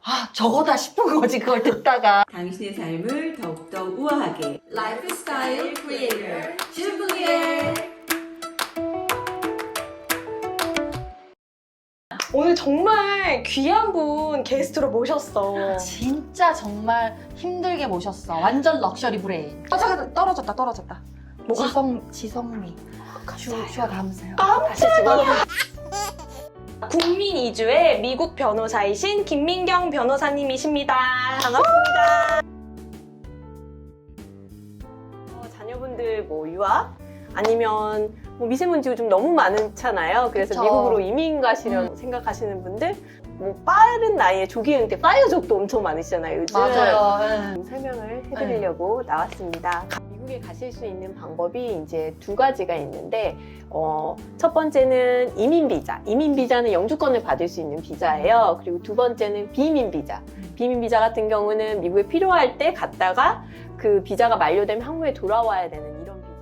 저거다 싶은 거지, 그걸 듣다가. 당신의 삶을 더욱더 우아하게 라이프스타일 크리에이터 주부의 오늘 정말 귀한 분 게스트로 모셨어. 진짜 정말 힘들게 모셨어. 완전 럭셔리 브레인. 잠깐 떨어졌다. 뭐가? 지성미. 슈가 담으세요. 국민 이주의 미국 변호사이신 김민경 변호사님이십니다. 반갑습니다. 자녀분들 뭐 유학 아니면 뭐 미세먼지가 좀 너무 많잖아요. 그래서 그쵸. 미국으로 이민 가시려고 생각하시는 분들 뭐 빠른 나이에 조기 은퇴 파이어족도 엄청 많으시잖아요. 요즘 맞아요. 설명을 해드리려고 나왔습니다. 미국에 가실 수 있는 방법이 이제 두 가지가 있는데 첫 번째는 이민 비자. 이민 비자는 영주권을 받을 수 있는 비자예요. 그리고 두 번째는 비민 비자. 비민 비자 같은 경우는 미국에 필요할 때 갔다가 그 비자가 만료되면 한국에 돌아와야 되는 이런 비자예요.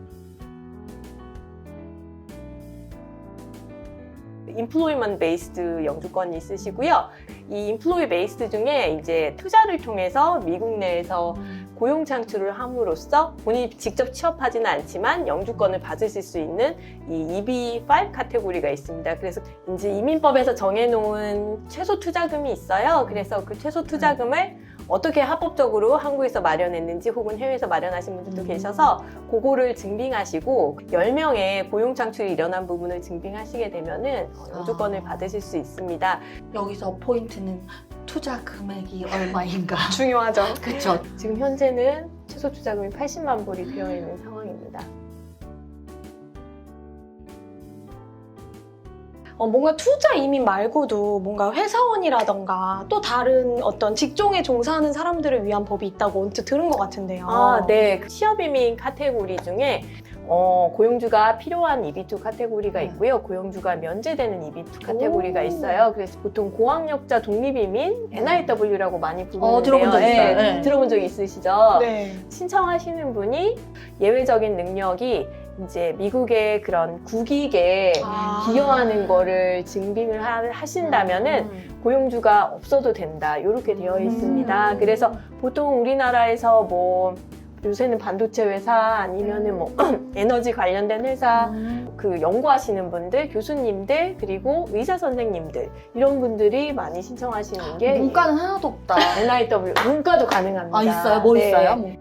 인플로이먼트 베이스드 영주권이 있으시고요. 이 인플로이 베이스드 중에 이제 투자를 통해서 미국 내에서 고용 창출을 함으로써 본인이 직접 취업하지는 않지만 영주권을 받으실 수 있는 이 EB5 카테고리가 있습니다. 그래서 이제 이민법에서 정해놓은 최소 투자금이 있어요. 그래서 그 최소 투자금을 어떻게 합법적으로 한국에서 마련했는지 혹은 해외에서 마련하신 분들도 계셔서 그거를 증빙하시고 10명의 고용 창출이 일어난 부분을 증빙하시게 되면은 영주권을 받으실 수 있습니다. 여기서 포인트는 투자 금액이 얼마인가. 중요하죠. 그쵸. 지금 현재는 최소 투자금이 80만 불이 되어 있는 상황입니다. 뭔가 투자 이민 말고도 뭔가 회사원이라던가 또 다른 어떤 직종에 종사하는 사람들을 위한 법이 있다고 언뜻 들은 것 같은데요. 네. 취업 이민 카테고리 중에 고용주가 필요한 EB2 카테고리가 있고요. 고용주가 면제되는 EB2 카테고리가 있어요. 그래서 보통 고학력자 독립이민, NIW라고 많이 부르는데요. 들어본 적 있어요. 네. 들어본 적 있으시죠? 네. 신청하시는 분이 예외적인 능력이 이제 미국의 그런 국익에 기여하는 거를 증빙을 하신다면은 고용주가 없어도 된다. 이렇게 되어 있습니다. 그래서 보통 우리나라에서 뭐 요새는 반도체 회사 아니면은 뭐 에너지 관련된 회사 그 연구하시는 분들, 교수님들 그리고 의사 선생님들 이런 분들이 많이 신청하시는 게 문과는 하나도 없다. NIW 문과도 가능합니다. 있어요? 뭐 네. 있어요? 뭐.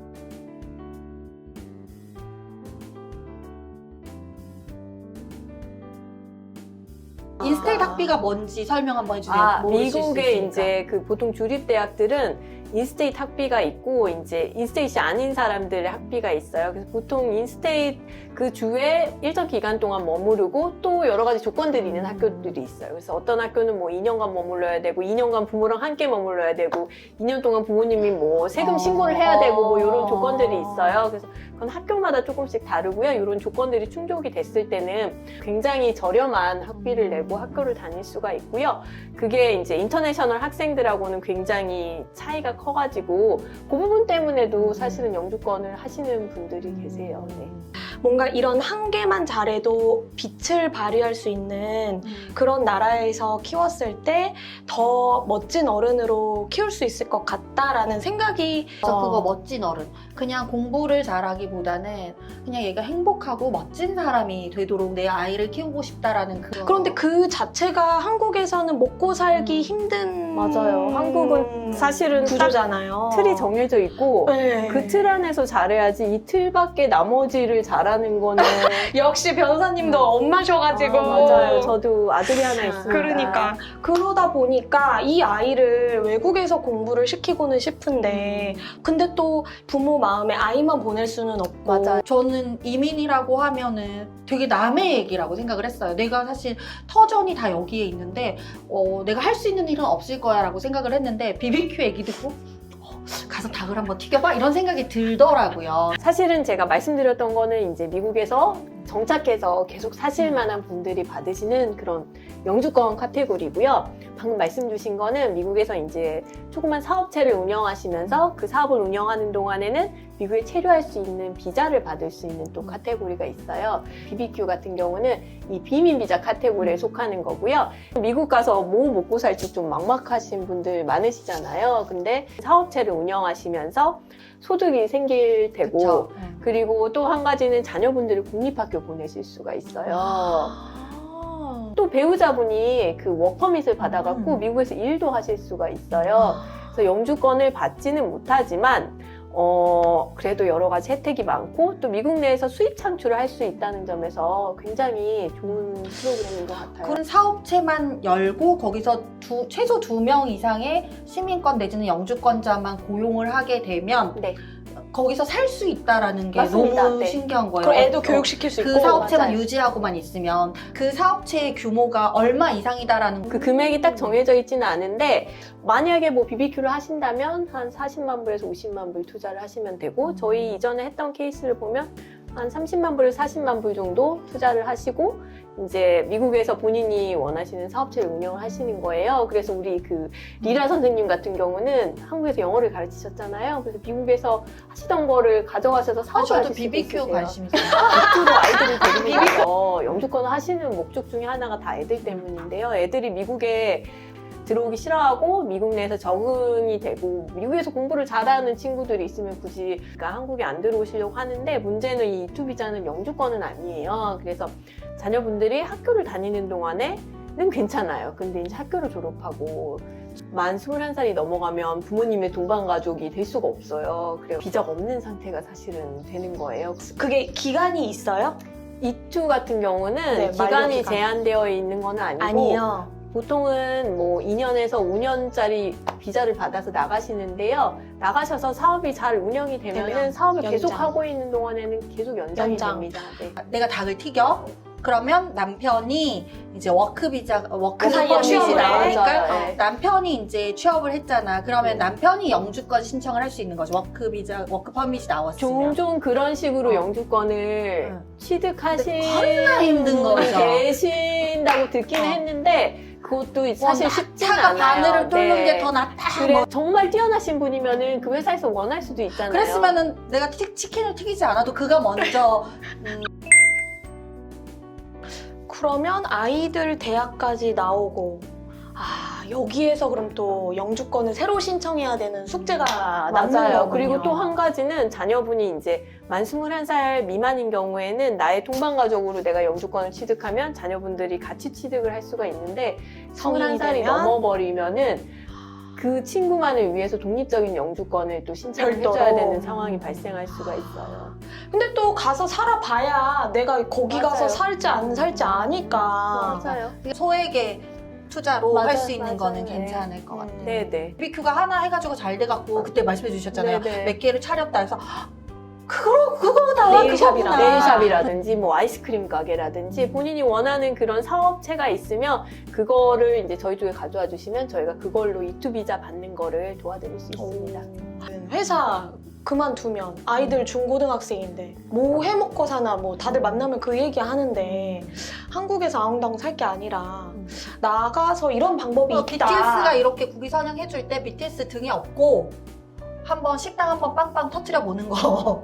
인스테이트 학비가 뭔지 설명 한번 해주세요. 모르실 수 미국의 있으니까. 이제 그 보통 주립대학들은 인스테이트 학비가 있고 이제 인스테이트이 아닌 사람들의 학비가 있어요. 그래서 보통 인스테이트 그 주에 일정 기간 동안 머무르고 또 여러 가지 조건들이 있는 학교들이 있어요. 그래서 어떤 학교는 뭐 2년간 머물러야 되고 2년간 부모랑 함께 머물러야 되고 2년 동안 부모님이 뭐 세금 신고를 해야 되고 뭐 이런 조건들이 있어요. 그래서 그건 학교마다 조금씩 다르고요. 이런 조건들이 충족이 됐을 때는 굉장히 저렴한 학비를 내고 학교를 다닐 수가 있고요. 그게 이제 인터내셔널 학생들하고는 굉장히 차이가 커가지고 그 부분 때문에도 사실은 영주권을 하시는 분들이 계세요. 네. 뭔가 이런 한계만 잘해도 빛을 발휘할 수 있는 그런 나라에서 키웠을 때 더 멋진 어른으로 키울 수 있을 것 같다라는 생각이 그래서 그거 멋진 어른. 그냥 공부를 잘하기보다는 그냥 얘가 행복하고 멋진 사람이 되도록 내 아이를 키우고 싶다라는 그런. 그런데 그 자체가 한국에서는 먹고 살기 힘든 맞아요. 한국은 사실은 구조잖아요. 틀이 정해져 있고 네. 그 틀 안에서 잘해야지 이 틀 밖에 나머지를 잘하는 거는 역시 변호사님도 엄마셔가지고 맞아요. 저도 아들이 하나 있습니다. 그러니까 그러다 보니까 이 아이를 외국에서 공부를 시키고는 싶은데 근데 또 부모 마음에 아이만 보낼 수는 없고 맞아요. 저는 이민이라고 하면은 되게 남의 얘기라고 생각을 했어요. 내가 사실 터전이 다 여기에 있는데 내가 할 수 있는 일은 없을 거야 라고 생각을 했는데 BBQ 얘기 듣고 가서 닭을 한번 튀겨봐? 이런 생각이 들더라고요. 사실은 제가 말씀드렸던 거는 이제 미국에서 정착해서 계속 사실 만한 분들이 받으시는 그런 영주권 카테고리고요. 방금 말씀 주신 거는 미국에서 이제 조그만 사업체를 운영하시면서 그 사업을 운영하는 동안에는 미국에 체류할 수 있는 비자를 받을 수 있는 또 카테고리가 있어요. BBQ 같은 경우는 이 비민 비자 카테고리에 속하는 거고요. 미국 가서 뭐 먹고 살지 좀 막막하신 분들 많으시잖아요. 근데 사업체를 운영하시면서 소득이 생길 테고 그쵸? 그리고 또 한 가지는 자녀분들을 공립학교 보내실 수가 있어요. 또 배우자분이 그 워커밋을 받아갖고 미국에서 일도 하실 수가 있어요. 그래서 영주권을 받지는 못하지만 그래도 여러 가지 혜택이 많고 또 미국 내에서 수입 창출을 할 수 있다는 점에서 굉장히 좋은 프로그램인 것 같아요. 그런 사업체만 열고 거기서 최소 2명 이상의 시민권 내지는 영주권자만 고용을 하게 되면 네. 거기서 살 수 있다라는 게 맞습니다. 너무 네. 신기한 거예요. 그럼 애도 교육시킬 수 있고. 그 사업체만 맞아요. 유지하고만 있으면 그 사업체의 규모가 얼마 이상이다라는 그 금액이 딱 정해져 있지는 않은데 만약에 뭐 BBQ를 하신다면 한 40만 불에서 50만 불 투자를 하시면 되고 저희 이전에 했던 케이스를 보면 한 30만 불에서 40만 불 정도 투자를 하시고 이제 미국에서 본인이 원하시는 사업체를 운영을 하시는 거예요. 그래서 우리 그 리라 선생님 같은 경우는 한국에서 영어를 가르치셨잖아요. 그래서 미국에서 하시던 거를 가져가셔서 사업을 저도 하실 수도 BBQ 있으세요. 관심 있어요. 주로 아이들을 데리고 가서 영주권을 하시는 목적 중에 하나가 다 애들 때문인데요. 애들이 미국에 들어오기 싫어하고 미국 내에서 적응이 되고 미국에서 공부를 잘하는 친구들이 있으면 굳이 그러니까 한국에 안 들어오시려고 하는데 문제는 이 E2 비자는 영주권은 아니에요. 그래서 자녀분들이 학교를 다니는 동안에는 괜찮아요. 근데 이제 학교를 졸업하고 만 21살이 넘어가면 부모님의 동반 가족이 될 수가 없어요. 그래서 비자가 없는 상태가 사실은 되는 거예요. 그게 기간이 있어요? E2 같은 경우는 네, 기간이 만료 기간. 제한되어 있는 건 아니고 아니요. 보통은 뭐 2년에서 5년짜리 비자를 받아서 나가시는데요. 나가셔서 사업이 잘 운영이 되면은 되면 사업을 연장. 계속 하고 있는 동안에는 계속 연장이 연장. 됩니다. 네. 내가 닭을 튀겨. 그러면 남편이 이제 워크 비자, 워크 그 사이에 퍼밋이 취업을 해. 나오니까 맞아요. 네. 남편이 이제 취업을 했잖아. 그러면 남편이 영주권 신청을 할 수 있는 거죠. 워크 비자, 워크 퍼밋이 나왔으면. 종종 그런 식으로 어. 영주권을 응. 취득하신 겁나 힘든 분이 거죠. 계신다고 듣기는 어. 했는데 그것도 사실 쉽지는 차가 않아요. 바늘을 뚫는 네. 게 더 낫다. 그래 뭐. 정말 뛰어나신 분이면은 그 회사에서 원할 수도 있잖아요. 그랬으면은 내가 치킨을 튀기지 않아도 그가 먼저 그러면 아이들 대학까지 나오고 여기에서 그럼 또 영주권을 새로 신청해야 되는 숙제가 남는 맞아요. 거군요. 그리고 또 한 가지는 자녀분이 이제 만 21살 미만인 경우에는 나의 동반 가족으로 내가 영주권을 취득하면 자녀분들이 같이 취득을 할 수가 있는데 성인이 21살이 되면? 넘어버리면은 그 친구만을 위해서 독립적인 영주권을 또 신청을 별도로. 해줘야 되는 상황이 발생할 수가 있어요. 근데 또 가서 살아봐야 내가 거기 맞아요. 가서 살지 안 살지 아니까. 맞아요. 소액의 투자로 맞아요, 할 수 있는 맞아요. 거는 네. 괜찮을 것 같아요. 네네. BBQ가 하나 해가지고 잘 돼갖고 그때 말씀해 주셨잖아요. 네네. 몇 개를 차렸다 해서 그거다. 네일샵이랑. 네일샵이라든지 뭐 아이스크림 가게라든지 본인이 원하는 그런 사업체가 있으면 그거를 이제 저희 쪽에 가져와 주시면 저희가 그걸로 E2 비자 받는 거를 도와드릴 수 있습니다. 회사 그만두면 아이들 중고등학생인데 뭐 해먹고 사나 뭐 다들 만나면 그 얘기 하는데 한국에서 아웅다웅 살 게 아니라 나가서 이런 방법이 있다. BTS가 이렇게 국위 선양해줄 때 BTS 등에 업고 한번 식당 한번 빵빵 터트려 보는 거.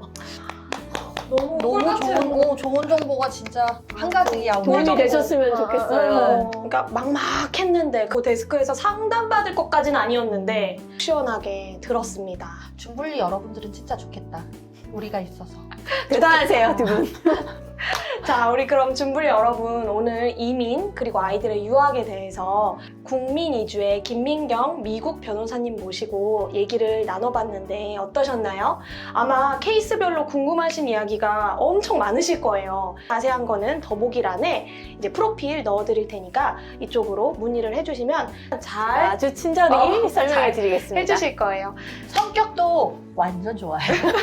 너무 좋은 정보가 진짜 한 가지야. 오늘 도움이 정보. 되셨으면 좋겠어요. 그러니까 막막했는데 그 데스크에서 상담받을 것까지는 아니었는데 시원하게 들었습니다. 준불리 여러분들은 진짜 좋겠다. 우리가 있어서. 대단하세요, 두 분. 자, 우리 그럼 준불 여러분 오늘 이민 그리고 아이들의 유학에 대해서 국민 이주의 김민경 미국 변호사님 모시고 얘기를 나눠봤는데 어떠셨나요? 아마 케이스별로 궁금하신 이야기가 엄청 많으실 거예요. 자세한 거는 더보기란에 이제 프로필 넣어드릴 테니까 이쪽으로 문의를 해주시면 잘 아주 친절히 설명해 잘 드리겠습니다. 해주실 거예요. 성격도 완전 좋아요.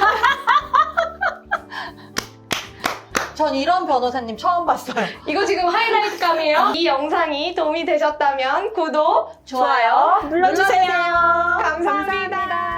전 이런 변호사님 처음 봤어요. 이거 지금 하이라이트감이에요. 이 영상이 도움이 되셨다면 구독, 좋아요 눌러주세요. 감사합니다.